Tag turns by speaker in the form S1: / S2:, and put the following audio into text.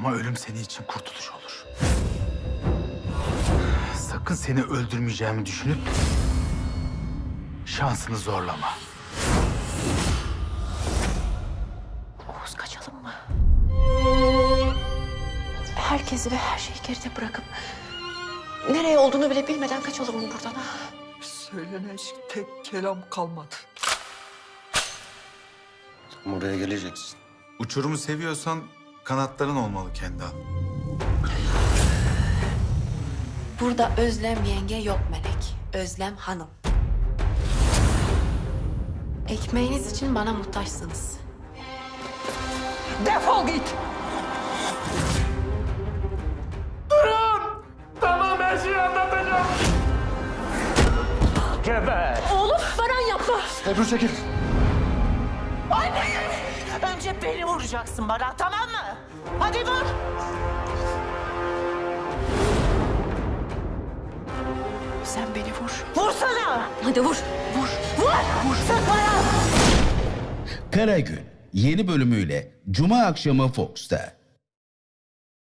S1: Ama ölüm senin için kurtuluş olur. Sakın seni öldürmeyeceğimi düşünüp şansını zorlama.
S2: Oğuz, kaçalım mı? Herkesi ve her şeyi geride bırakıp nereye olduğunu bile bilmeden kaçalım mı buradan? Ha?
S3: Söylenecek tek kelam kalmadı.
S4: Sen buraya geleceksin.
S5: Uçurumu seviyorsan kanatların olmalı Kendal.
S2: Burada Özlem yenge yok Melek. Özlem hanım. Ekmeğiniz için bana muhtaçsınız.
S3: Defol git!
S1: Tamam, her şeyi anlatacağım. Geber.
S2: Oğlum, Baran yapma.
S4: Ebru çekil.
S6: Önce beni vuracaksın bana, tamam mı? Hadi vur!
S2: Sen beni vur.
S6: Vursana!
S2: Hadi vur. Vur.
S6: Vur! Sık bana!
S7: Karagül yeni bölümüyle Cuma akşamı Fox'ta.